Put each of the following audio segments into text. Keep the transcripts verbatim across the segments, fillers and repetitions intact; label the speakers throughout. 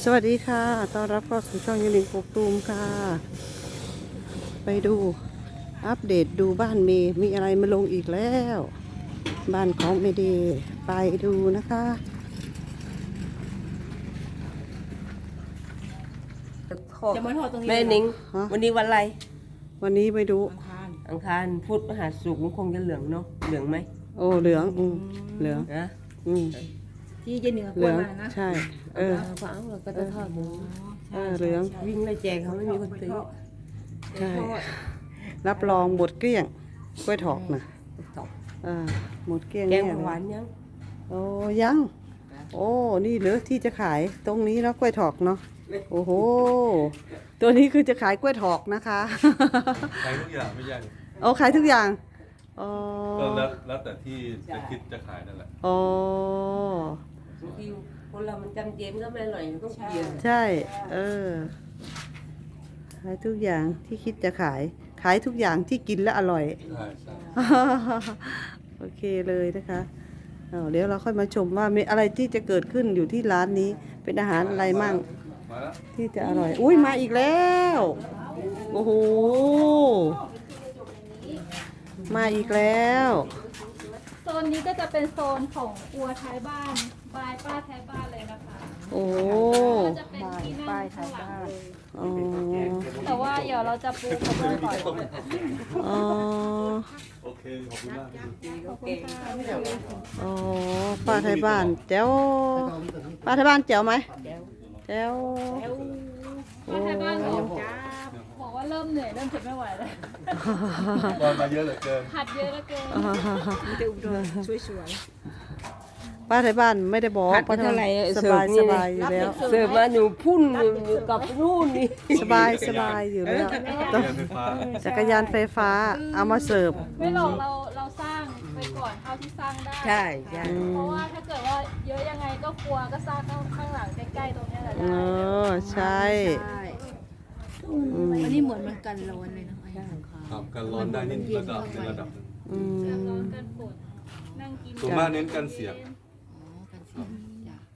Speaker 1: สวัสดีค่ะต้อนรับเข้าสู่ช่องยูนิคกกตูมค่ะ ไปดูอัปเดตดูบ้านเมย์มีอะไรมาลงอีกแล้ว บ้านของเมเดย์ไปดูนะคะ
Speaker 2: จะมาทอดตรงนี้
Speaker 3: แม่นิง
Speaker 1: ฮะ
Speaker 3: วันนี้วันอะไร
Speaker 1: วันนี้ไปดู
Speaker 2: อังคาร
Speaker 3: อังคารพุธพฤหัสศุกร์คงจะเหลืองเนาะเหลืองไหม
Speaker 1: โอ้เหลืองอืมเหลือง
Speaker 3: นะ
Speaker 1: อืม
Speaker 2: ที่เจเหนือ
Speaker 1: เห
Speaker 2: กล้
Speaker 1: ลื
Speaker 2: วย
Speaker 1: อง
Speaker 2: มานะ
Speaker 1: ใช่เออ
Speaker 3: เอาก็เอาเราก็จะทอดหมู
Speaker 1: เออเหลือง
Speaker 3: วิ่งเลยแจกเขาไม่มีคนซื้อ
Speaker 1: ใช่รับรองหมดเกลี้ยงกล้วยถอกนะ
Speaker 3: ตอบ
Speaker 1: อ่าหมดเกลี้ยง
Speaker 3: แกง
Speaker 1: แน่เล
Speaker 3: หวาย นยัง
Speaker 1: โอ้ยัง โอ้นี่เหรือที่จะขายตรงนี้เนาะกล้วยถอกเนาะโอ้โหตัวนี้คือจะขายกล้วยถอกนะคะ
Speaker 4: ขายทุกอย่างไม่ยาก
Speaker 1: โอ้ขายทุกอย่างอ๋อ
Speaker 4: ก็แล้วแล้วแต่ที่จะคิดจะขายนั่นแหละ
Speaker 1: อ๋อบ
Speaker 3: างทีคนเรามันจำเจมก็ไม่อร่อยมันต้องเปลี่ยน
Speaker 1: ใช่เออขายทุกอย่างที่คิดจะขาย ขายทุกอย่างที่กินและอร่อย
Speaker 4: ใช่ใช่
Speaker 1: โอเคเลยนะคะเอาเดี๋ยวเราค่อยมาชมว่ามีอะไรที่จะเกิดขึ้นอยู่ที่ร้านนี้ เป็นอาหารอะไรมั่ง
Speaker 4: มาแล้ว
Speaker 1: ที่จะอร่อย อุ้ยมาอีกแล้ว โอ้โห มาอีกแล้ว
Speaker 5: โซนนี้ก็จะเป็นโซนของครัวท้ายบ้านบายป้าท้ายบ้านเลยนะคะ
Speaker 1: โอ้โห
Speaker 5: ก็จะเป็นที่นั่งข้างหลังเลย
Speaker 1: อ๋อ
Speaker 5: แต่ว่าเดี๋ยวเราจะปูกระเบื้องก่อน
Speaker 1: อ๋อ
Speaker 4: โอเคขอบคุณมาก
Speaker 5: ขอบคุณค่ะ
Speaker 1: อ๋อป้าไทยบ้านแจ๋วป้าไทยบ้านแจ๋วไหมแจ๋ว
Speaker 5: ป้าท้ายบ้านบอกบอกว่าเริ่มเหนื่อยเริ่มทนไม่ไหวแล้ว
Speaker 4: ตอนมาเยอะเหลือเกิน
Speaker 5: ผัดเยอะเหลือเกิน
Speaker 2: มีแต่อุดมสวย
Speaker 1: ป้าไทยบ้านไม่ได้บอกป้าไทยบ้านสบายสบายอยู่แล้ว
Speaker 3: เสิร์ฟมาหนูพุ่นอยู่กับนู่นนี่
Speaker 1: สบายสบายอยู่แล้วต้อง
Speaker 4: เรียนไฟฟ้า
Speaker 1: จักรยานไฟฟ้าเอามาเสิร์ฟ
Speaker 5: ไม่หรอกเราเราสร้างไปก่อนเท่าที่สร้างได้
Speaker 3: ใช่ใช่
Speaker 5: เพราะว่าถ้าเกิดว่าเยอะยังไงก็ครัวก็สร้างข้างข้างหลังใกล้ๆตรงเนี้ยแหละ
Speaker 1: เอ
Speaker 5: ได้
Speaker 1: อใช่
Speaker 2: ๆใช่
Speaker 1: อืม
Speaker 2: อันนี้เหมือนมันกันร้อนเลยนะ
Speaker 4: ครับการร้อนได้นิดระดับในระดับหนึง
Speaker 1: อืม
Speaker 5: ร้อนกันฝนนั่งกิน
Speaker 4: ส่วนมากเน้นกันเสียง
Speaker 2: อ๋อกันเสียงจ้ะ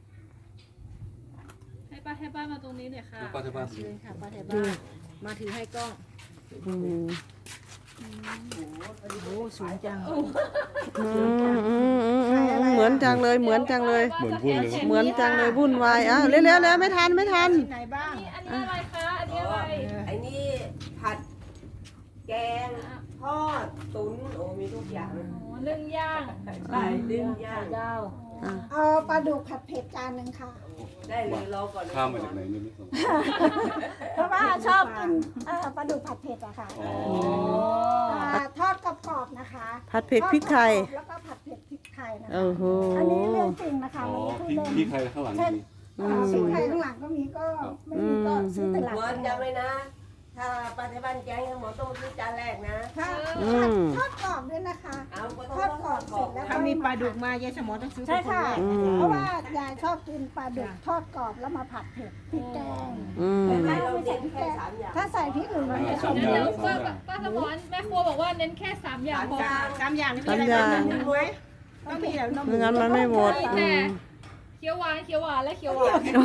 Speaker 5: ให้ป้าให้ป้ามาตรงนี้หน่อยค่ะ
Speaker 4: ลูกป้าที่บ้าน
Speaker 2: เชิญค่ะป้าแถวบ้านมาถือให้กล้อง
Speaker 1: อืม
Speaker 2: โอ้โหสูงจัง
Speaker 1: อืมอืมอืมอืมเหมือนจังเลยเหมือนจังเลย
Speaker 4: เหมือนพูดเลย
Speaker 1: เหมือนจังเลยวุ่นวายอ่ะเร็วเร็วเร็วไม่ทันไม่ทัน
Speaker 2: ไหนบ้าง
Speaker 5: อันนี้อะไรคะ อันนี้อะไร
Speaker 3: ไอ้นี่ผัดแกงทอดตุ๋นโอ้มีทุกอย่าง
Speaker 5: อ๋อนึ่งย่าง
Speaker 3: ใช่เรื่องย่าง
Speaker 2: ดาว
Speaker 1: อ่ะ
Speaker 6: เอาปลาดุกผัดเผ็ดจานหนึ่งค่ะ
Speaker 3: ได้เลยรอก่อนนะ
Speaker 4: ข้ามมาจากไหนเนี่ยไม่สน
Speaker 6: เพราะว่าชอบกินเอ่อปลาดุกผัดเผ็ดอะค่ะ
Speaker 4: อ๋อ
Speaker 6: อ่าทอดกรอบๆนะคะ
Speaker 1: ผัดเผ็ดพริกไทย
Speaker 6: ทอดกรอบๆแล้วก็ผัดเผ็ดพริกไทยนะคะ
Speaker 1: โอ้โห
Speaker 6: อันนี้เรื่องจริงนะคะ
Speaker 4: อ๋อ
Speaker 6: ไม่ได้พูด
Speaker 4: พี่
Speaker 6: เล่น
Speaker 4: พี่ใครข้างหลัง
Speaker 6: เช่น
Speaker 4: มี
Speaker 6: อ่าพริกไทยข้างหลังก็มีก็ไม่มีก็ซื้อตลาด
Speaker 3: หมอจำไว้นะ ถ้าป้าที่บ้านแกงหมอต้องซื้อจานแรกนะ
Speaker 6: ค่ะ
Speaker 1: อืม
Speaker 6: ทอดกรอบด้วยนะคะ
Speaker 3: เอาก็
Speaker 6: ทอดกรอบเสร็จแล้ว
Speaker 2: ถ้ามีปลาดุกมายายสมอต้องซื้อ
Speaker 6: ใช่ค่ะ
Speaker 1: อืม
Speaker 6: เพราะว่ายายชอบกินปลาดุกทอดกรอบแล้วมาผัดเผ็ดพริกแกง
Speaker 1: อืม
Speaker 3: ให้เราเด็ดแค่สามอย่าง
Speaker 6: ถ้าใส่พริกอื่นมันจะชอบ
Speaker 5: เดี๋ยว
Speaker 6: เย
Speaker 5: เดี๋ยว
Speaker 6: อะ
Speaker 5: ป้าป้าสมอนแม่ครัวบอกว่าเน้นแค่สามอย่างพอ
Speaker 2: สามอย่างนี่มีอะไรบ้างนะหนึ่งไว้ต้องมีแล้วน้ำห
Speaker 1: ไม่
Speaker 2: มู
Speaker 1: งั้นมันไม่หมด
Speaker 5: มี
Speaker 1: อื
Speaker 5: แต่
Speaker 1: ม
Speaker 5: เคี้ยวหวานเคี้ยวหวานและเคี้ยวหวาน
Speaker 6: มะ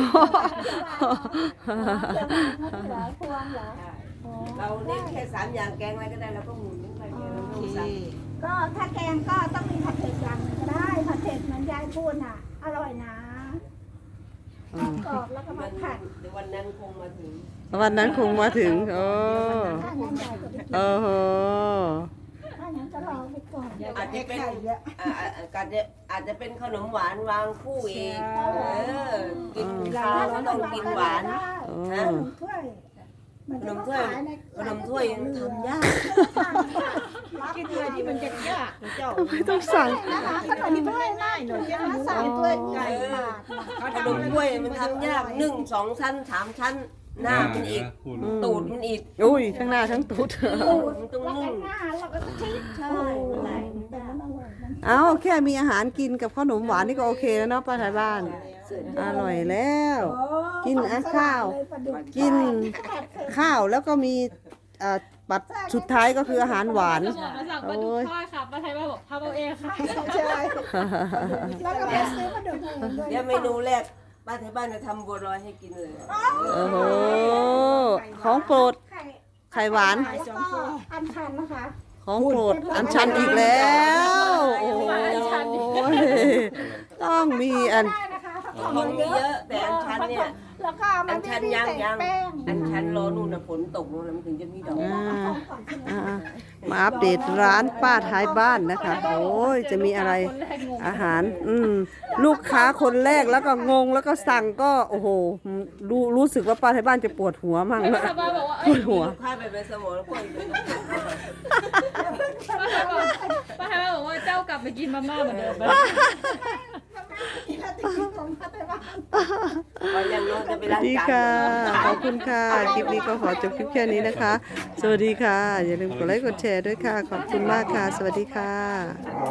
Speaker 6: เขือพวงเหรอ
Speaker 3: เราเน้นแค่สามอย่างแกงอะไรก็ได้เราก็หมุนไปเดียวเรา
Speaker 2: โอ
Speaker 3: ไม่
Speaker 2: เค
Speaker 3: สั่ง
Speaker 6: ก็ถ้าแกงก็ต้องมีผัดเผ็ดอย่างหนึงก็ได้ผัดเผ็ดเหมือนยายพูดน่ะ อร่อยนะทอดกรอบแล้วก็มาผัด
Speaker 3: เดี๋ยววันนั้นคงมาถึง
Speaker 1: วันนั้นคงมาถึงโอ้
Speaker 6: ถ้างั้นยายก็ไปกิน
Speaker 1: โอ้โห
Speaker 6: ถ้างั้นก็รอไปก่อน
Speaker 3: อาจจะเป็นอ่าอ่าอาจจะอาจจะเป็นขนมหวานวางคู่อีกเออกินข้าวก็ต้องกินหวาน
Speaker 6: ขนมถ้วยมัน
Speaker 3: ขน
Speaker 6: จะ
Speaker 3: มถ้วย
Speaker 6: ขายใน
Speaker 3: ขนมถ้วยทำยาก
Speaker 2: กินอะไรที่มันจะยากเจ้า
Speaker 1: ไม่ต้องสั่ง
Speaker 6: นะคะขนมถ้วยน่าหนูจะมาสั่งถ้วยไก่บาทนะ
Speaker 3: ขนมถ้วยมันทำยากหนึ่งสองชั้นสามชั้น หน้ามันอีก
Speaker 4: พูด
Speaker 3: ตูดมันอีก
Speaker 1: อุ้ยทั้งหน้าทั้งตูด
Speaker 3: ตูดมันต้อง
Speaker 6: แล้วก็
Speaker 3: นุ่ม
Speaker 6: หน้าเราก็ชิด
Speaker 3: ใช่
Speaker 6: อะไรแต่มันอร่อยมัน
Speaker 1: เอาแค่มีอาหารกินกับขนมหวานนี่ก็โอเคแล้วเนาะป้าไทยบ้าน อร่อยแล้ว กินอ่ะข้าว กินข้าวแล้วก็มีเอ่อปัดสุดท้ายก็คืออาหารหวาน
Speaker 5: สมอนมาสั่งปลาดุกทอดค่ะป้าไทยบ้านบอกทำเอาเองค่ะ
Speaker 6: ใช่แล้วก็ไปซื้อมาดูด้วย
Speaker 3: เดี๋ยวเมนูแรกป้าที่บ้านจะทำบัวลอยให้กินเลย
Speaker 1: โอ้โหของโปรด
Speaker 6: ไข่
Speaker 1: ไข่หวาน
Speaker 6: แล้วก็อันชันนะคะ
Speaker 1: ของโปรดอันชันอีกแล้วโอ้ยต้องมีอัน
Speaker 6: ได้นะคะเพราะ
Speaker 3: ของ
Speaker 6: มัน
Speaker 3: มี
Speaker 6: เย
Speaker 3: เย
Speaker 6: อะ
Speaker 3: อะแต่อันชันเนี่ย
Speaker 6: แล้วก็มั
Speaker 3: อั
Speaker 6: น
Speaker 3: น
Speaker 6: ไม่
Speaker 3: ชัน
Speaker 6: ได้
Speaker 3: ยัง
Speaker 6: ใส่
Speaker 3: ยัง
Speaker 6: แป้ง
Speaker 3: อันชันรอนู่นนะฝนตกนู่นนะมันถึงจะมีดอก
Speaker 1: อ่า
Speaker 6: เอาก่อนใช่ไหม
Speaker 1: อ่ามาอัปเดตร้านป้าท้ายบ้านนะคะ โอ้ยจะมีอะไร
Speaker 5: คนแรกงง
Speaker 1: อาหาร อืมลูกค้าคนแรกแล้วก็งงแล้วก็สั่งก็โอ้โหรู้รู้สึกว่าป้าท้ายบ้านจะปวดหัวมั่ง
Speaker 5: ป้าบ้าบอกว่า
Speaker 1: ป
Speaker 5: เอ้
Speaker 1: วย ดหัว
Speaker 3: ลูกค้าไปเป็นสมองแล้วพวกอีกเป็น
Speaker 5: ป้าบ้าบอกป้าบ้าบอกว่าเจ้ากลับไปกินมาม่าเหมือนเดิมไหม
Speaker 3: พอยังน้องจะไป
Speaker 1: สวั
Speaker 3: ล้า
Speaker 1: ส
Speaker 3: ง
Speaker 1: ดี
Speaker 3: จาน
Speaker 1: ค่ะ ขอบคุณค่ะ คลิปนี้ก็ขอจบคลิปแค่นี้นะคะ สวัสดีค่ะ อย่าลืมกดไลค์กดแชร์ด้วยค่ะ ขอบคุณมากค่ะ สวัสดีค่ะ